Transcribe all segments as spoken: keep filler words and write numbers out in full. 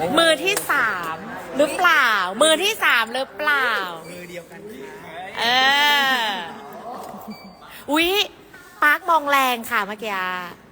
มือที่สามหรือเปล่า มือที่สามหรือเปล่ามือเดียวกันค่ะเอออุ๊ยปาร์คมองแรงค่ะเมื่อกี้อะ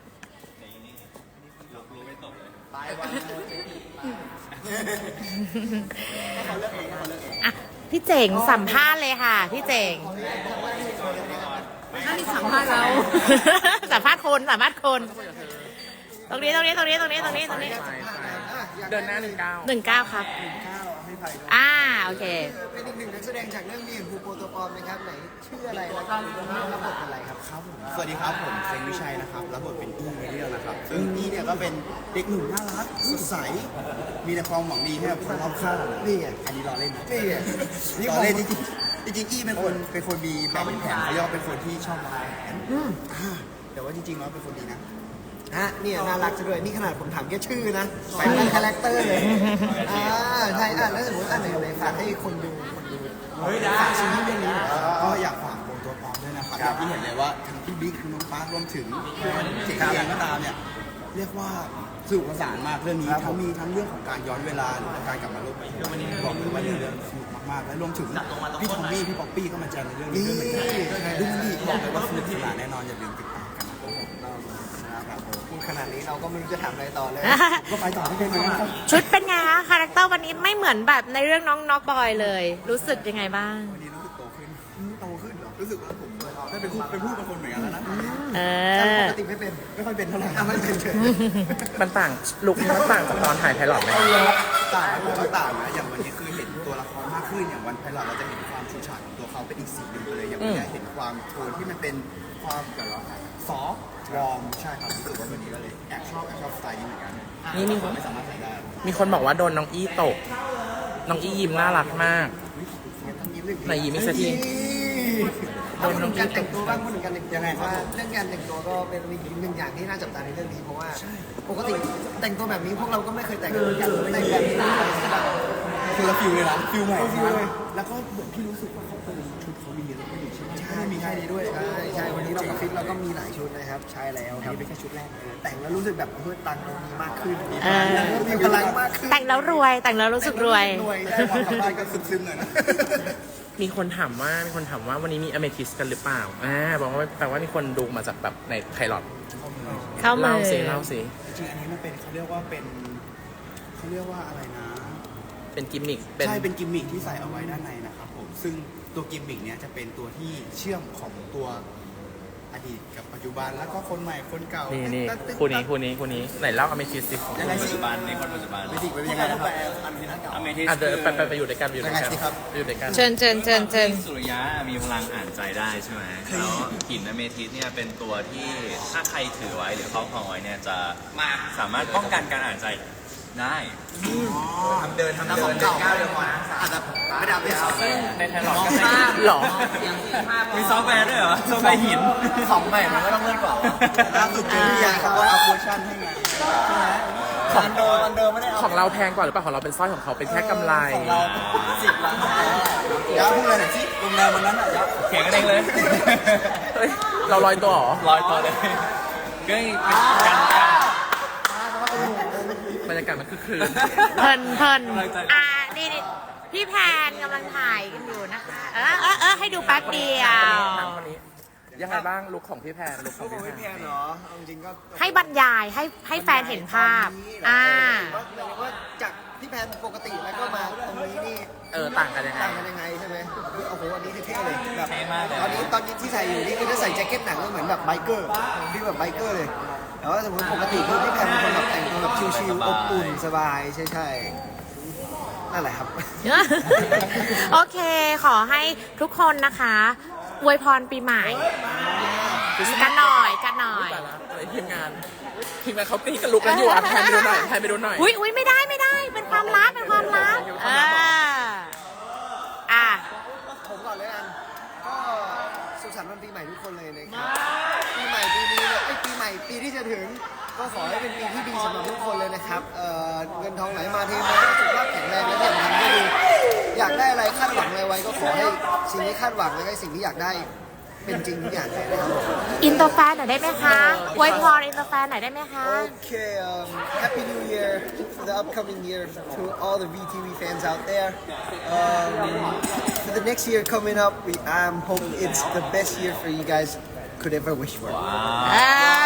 อ่ะพี่เจ๋งสัมภาษณ์เลยค่ะ พี่เจ๋งถ้ามีสัมภาษณ์เราสัมภาษณ์คนสัมภาษณ์คน ตรงนี้ตรงนี้ตรงนี้ตรงนี้ตรงนี้ตรงนี้เดินหน้าหนึ่งเก้าหนึ่งเก้าครับข้าวให้ไผ่ด้วยอ่าโอเคเป็นอีกหนึ่งนักแสดงจากเรื่องนี้ภูโปรโตปอมนะครับไหนชื่ออะไรแล้วก็รับบทเป็นอะไรครับครับผมสวัสดีครับผมเซงวิชัยนะครับรับบทเป็นอี้ในเรื่องนะครับซึ่งอี้เนี่ยก็เป็นเด็กหนุ่มน่ารักสดใสมีแต่ความหวังดีให้กับคนรอบข้างนี่ไงอันนี้รอเล่นนะนี่ไงนี่รผอมเล่นจริงๆจริงๆอี้เป็นคนเป็นคนมีแบบเป็นแผนเขาเรียกว่าเป็นคนที่ชอบวางแผนอ่าแต่ว่าจริงๆแล้วเป็นคนดีนะฮะเนี่ยน่ารักซะด้วยนี่ขนาดผมถามแค่ชื่อนะไปเป็นคาแรคเตอร์เลยอ่าใช่อ่ะแล้วสมมติอ่ะไหนไหนฝากให้คนดูคนดูฝากซีรีส์เรื่องนี้หน่อยก็อยากฝากโปรตัวปลอมด้วยนะครับอย่างที่เห็นเลยว่าทั้งพี่บิ๊กทั้งน้องปาร์ครวมถึงเจ๋งเองก็ตามเนี่ยเรียกว่าสนุกสนานมากเรื่องนี้ทั้งมีทั้งเรื่องของการย้อนเวลาหรือว่าการกลับมาโลกใบนี้บอกเลยว่าเรื่องสนุกมากๆและรวมถึงพี่ทอมมี่พี่ป๊อปปี้ก็มาเจอในเรื่องนี้ด้วยเหมือนกันดูมันดีบอกเลยว่าสนุกสนานแน่นอนอย่าลืมติดตามกันนะครับผมพูดขนาดนี้เราก็ไม่รู้จะถามอะไรต่อเลยก็ไปต่อไม่ได้เลยนะครับชุดเป็นไงคะคาแรคเตอร์วันนี้ไม่เหมือนแบบในเรื่องน้องน็อกบอยเลย รู้สึกยังไงบ้างวันนี้รู้สึกโตขึ้นโตขึ้นเหรอรู้สึกว่าผมได้เป็นผู้เป็นผู้เป็นคนเหมือนกันแล้วนะเอแต่ปอกติไม่เป็นไม่ค่อยเป็นเท่าไหร่อ่ะไม่เป็นเฉยมันต่างลุคนี้มันต่างจากตอนถ่ายไพลอตไหมต่างผมก็ต่างนะอย่างวันนี้คือเห็นตัวละครมากขึ้นอย่างวันไพลอตเราจะเห็นความชูชาดของตัวเขาเป็นอีกสีหนึ่งไปเลยอย่างวันนี้เห็นความโทนที่มันเป็นความแบบว่าซอฟต์วอร์มใช่ครับรู้สึกว่าวันนี้ก็เลยแอบชอบแอบชอบสไตล์นี้เหมือนกันนี่มีไม่สามารถใส่ได้มีคนบอกว่าโดนน้องอี้ตก น้องอี้ยิ้มน่ารักมาก ไหนยิ้มอีกสักทีเอาพูดถึงการแต่งตัวบ้างพูดถึงการแต่งตัวว่าเรื่องการแต่งตัวก็เป็นอีกหนึ่งอย่างที่น่าจับตาในเรื่องนี้เพราะว่าปกติแต่งตัวแบบนี้พวกเราก็ไม่เคยแต่งกันแต่งแบบนี้ใช่ป่ะคือละฟิลเลยนะฟิลใหม่ฟิลเลยแล้วก็เหมือนพี่รู้สึกว่าเขาเป็นชุดเขามีเยอะมากใช่ไหมไม่ได้มีแค่นี้ด้วยใช่ใช่วันนี้เรากับฟิตเราก็มีหลายชุดนะครับใช่แล้วครับนี่เป็นแค่ชุดแรกแต่งแล้วรู้สึกแบบเพื่อตังค์เรามีมากขึ้นเออมีพลังมากขึ้นแต่งแล้วรวย แต่งแล้วรู้สึกรวยรวยได้ได้ความกลับบ้านก็ซึมๆหน่อยนะมีคนถามว่า มีคนถามว่าวันนี้มีอเมทิสกันหรือเปล่า อ่า บอกว่าแปลว่ามีคนดูมาจากแบบในไพลอตเข้ามาเล่าสิเล่าสิจริงๆอันนี้มันเป็นเขาเรียกว่าเป็นเขาเรียกว่าอะไรนะเป็นกิมมิค เป็นใช่เป็นกิมมิคที่ใส่เอาไว้ด้านในนะครับผมซึ่งตัวกิมมิคเนี้ยจะเป็นตัวที่เชื่อมของตัวอดีตกับปัจจุบันแล้วก็คนใหม่คนเก่านี่นี่ตึ๊ดตึ๊ดคู่นี้คู่นี้คู่นี้ ไหนเล่าอเมทิสสิยังไงปัจสิจุบันในคนปัจจุบันไม่ดีเป็นยังไงนะครับอันนี้นะเก่าอเมทิสอ่ะเดี๋ยวคือไปไปไปอยู่ด้วยกันไปอยู่ด้วยกันยังไงสิครับไปอยู่ด้วยกันเชิญเชิญเชิญเชิญสุริยะมีพลังอ่านใจได้ใช่ไหมแล้วหินอเมทิสเนี่ยเป็นตัวที่ถ้าใครถือไว้หรือครอบครองไว้เนี่ยจะสามารถป้องกันการอ่านใจได้ทำเดินทำเดินเก้าเดียวพอนะอาจจะไม่ได้เอาไปเอาในไพลอตก็ใช่หรอมีซอฟต์แวร์ด้วยเหรอซอฟต์แวร์หินของใหม่มันก็ต้องเลื่อนกว่าล่าสุดเจอพี่ยาเขาก็เอาเวอร์ชันให้ไงใช่ไหมของเดิมมันเดิมไม่ได้เอาของเราแพงกว่าหรือเปล่า ของเราเป็นสร้อยของเขาเป็นแค่กำไรของเราสิบล้านยาพูดเลยหน่อยสิโรงแรมวันนั้นอ่ะยาเถียงกันเองเลยเฮ้ย เราลอยตัวเหรอลอยตัวเลยก็เป็นการบรรยากาศมันคือคืนเพลินเพลินอ่านี่นี่พี่แพนกำลังถ่ายกันอยู่นะคะ เออเออเออให้ดูแป๊บเดียวถามคนนี้ยังไงบ้างลุคของพี่แพนลุคของพี่ไม่แพเพียนงเหรอเอาจริงๆก็ให้บรรยายให้ให้แฟนเห็นภาพ อ่าว่าว่าจากที่แพนปกติแล้วก็มาตรงนี้นี่เออต่างกันยังไงต่างกันยังไงใช่ไหมโอ้โหอันนี้เท่ๆเลยแบบเท่มากเลยตอนนี้ตอนนี้ที่ใส่อยู่นี่คือจะใส่แจ็คเก็ตหนังก็เหมือนแบบไบเกอร์ที่แบบไบเกอร์เลยแต่ว่าสมมติปกติคือพี่แพนเป็นคนแบบแต่งตัวแบบชิลๆอบอุ่นสบายใช่ใช่ๆนั่นแหละครับโอเค ขอให้ทุกคนนะคะอวยพรปีใหม่ กันหน่อยกันหน่อยแต่ละอะไรทีมงานทีมงานเขาตีกันลุกกันอยู่อ่ะแพนไปดูหน่อยแพนไปดูหน่อยอุ้ยอุ้ยไม่ได้ไม่ได้ เป็นความลับเป็นความลับเอออ่ะผมก่อนเลยกันก็สุขสันต์วันปีใหม่ทุกคนเลยนะครับปีใหม่ปีนี้เนี่ยไอ้ยปีใหม่ปีที่จะถึง ก็ขอให้เป็นปีที่ดีสำหรับทุกคนเลยนะครับเอ่อเงินทองไหลมาเทมาสุขภาพแข็งแรงและที่สำคัญก็คืออยากได้อะไรคาดหวังอะไรไว้ก็ขอให้สิ่งที่คาดหวังและก็สิ่งที่อยากได้เป็นจริงทุกอย่างเลยนะครับอินเตอร์แฟนหน่อยได้ไหมคะอวยพรอินเตอร์แฟนหน่อยได้ไหมคะ Okay, um, Happy New Year for the upcoming year to all the V T V fans out there. Um, for the next year coming up, we I'm hoping it's the best year for you guys could ever wish for. อ่า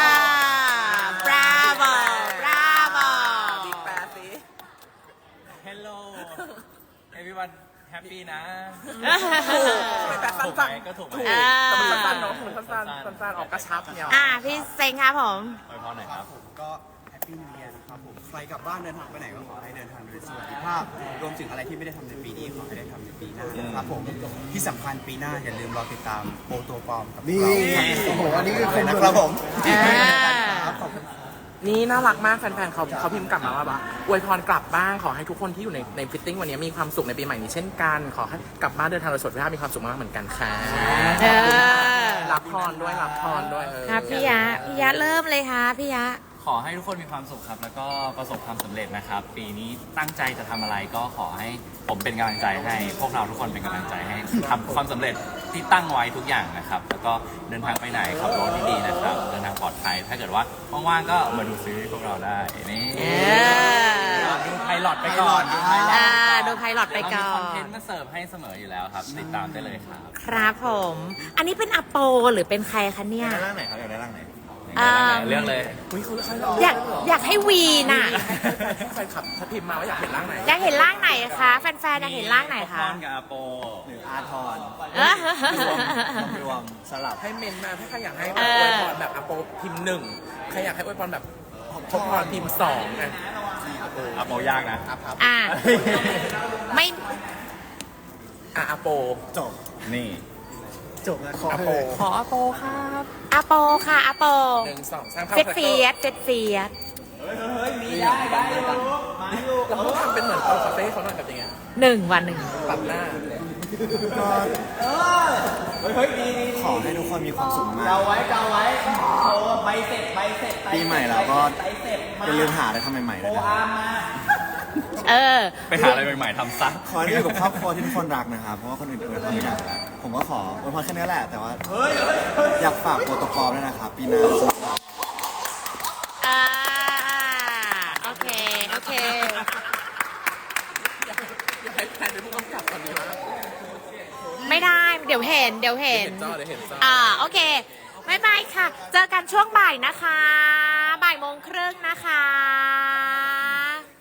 bravo bravo แปดสิ Hello everyone happy นะแปดสั้นถูกไหมก็ถูกไหมอ่าแต่มันสั้นๆเนาะมันสั้นๆสั้นๆออกกระชับเนี่ยอ่าพี่เซ็งครับผมอวยพรหน่อยครับผมก็แฮปปี้นิวเยียร์นะครับผมใครกลับบ้านเดินทางไปไหนก็ขอให้เดินทางโดยสวัสดิภาพ รวมถึงอะไรที่ไม่ได้ทำในปีนี้ขอให้ได้ทำในปีหน้านะครับผมที่สำคัญปีหน้าอย่าลืมรอติดตามโปรตัวปลอมกับนี่เราโอ้โหอันนี้คือคนนะครับผมอ่าขอบคุณนี่น่ารักมากแฟนๆเขาเขาพิมพ์กลับมาว่าแบบอวยพรกลับบ้านขอให้ทุกคนที่อยู่ในในฟิตติ้งวันนี้มีความสุขในปีใหม่นี้เช่นกันขอให้กลับบ้านเดินทางโดยสวัสดิภาพมีความสุขมากเหมือนกันค่ะเออรับพรด้วยรับพรด้วยเออครับพี่ยะพี่ยะเริ่มเลยค่ะพี่ยะขอให้ทุกคนมีความสุขครับ แล้วก็ประสบความสำเร็จนะครับ ปีนี้ตั้งใจจะทำอะไรก็ขอให้ผมเป็นกำลังใจให้ พวกเราทุกคนเป็นกำลังใจให้ทำความสำเร็จที่ตั้งไว้ทุกอย่างนะครับ แล้วก็เดินทางไปไหนขับรถดีๆนะครับ เดินทางปลอดภัย ถ้าเกิดว่าว่างๆก็มาดูซีรีส์พวกเราได้นี่เออดูไพลอตไปก่อนดูไพลอตอ่าดูไพลอตไปก่อเรามีคอนนเทนต์มาเสิร์ฟให้เสมออยู่แล้วครับ ติดตามได้เลยครับครับผม อันนี้เป็นอโปหรือเป็นใครคะเนี่ยได้ร่างไหนครับอยากได้ร่างไหนอ่าเรื่องเลยอุ้ยเขาเขาอยากอยากให้วีน่ะแฟนคลับถ้าพิมพ์มาว่าอยากเห็นร่างไหนอยากเห็นร่างไหนคะแฟนๆอยากเห็นร่างไหนพคะรกับอาโปหรืออาทรเออรวมสลับให้เมนมาถ้าใครอยากให้เอแบบออวยพรแบบอโปพิมพ์หนึ่งใครอยากให้อวยพรแบบพบพรพิมพ์สองอ่ะอาโปยากนะอ่าไม่อ่ะอโปจบนี่จบแล้วขออโปขออโปครับอโปค่ะอโปหนึ่งสองสามเข้าเฟดเฟียสเฟดเฟียสเราต้องทำเป็นเหมือนเอาคาเฟ่เขาหน่อยแบบยังไงหนึ่งวันหนึ่งปรับหน้าเลยขอให้ทุกคนมีความสุขมากเกาไว้เกาไว้ใบเสร็จใบเสร็จปีใหม่แล้วก็อย่าลืมหาอะไรทำใหม่ๆด้วยนะเออไปหาอะไรใหม่ๆทำซะขอให้อยู่กับครอบครัวที่ทุกคนรักนะครับ เพราะว่าคนอื่นอวยพรไม่ได้แล้วผมก็ขออวยพรแค่นี้แหละ แต่ว่าอยากฝากโปรโตคอลด้วยนะครับ ปีหน้าอ่าโอเค โอเคอยากให้แพนเป็นผู้กำกับตอนนี้มากไม่ได้ เดี๋ยวเห็น เดี๋ยวเห็นเห็นจอเดี๋ยวเห็นจออ่า โอเคบายบายค่ะ เจอกันช่วงบ่ายนะคะ บ่ายโมงครึ่งนะคะ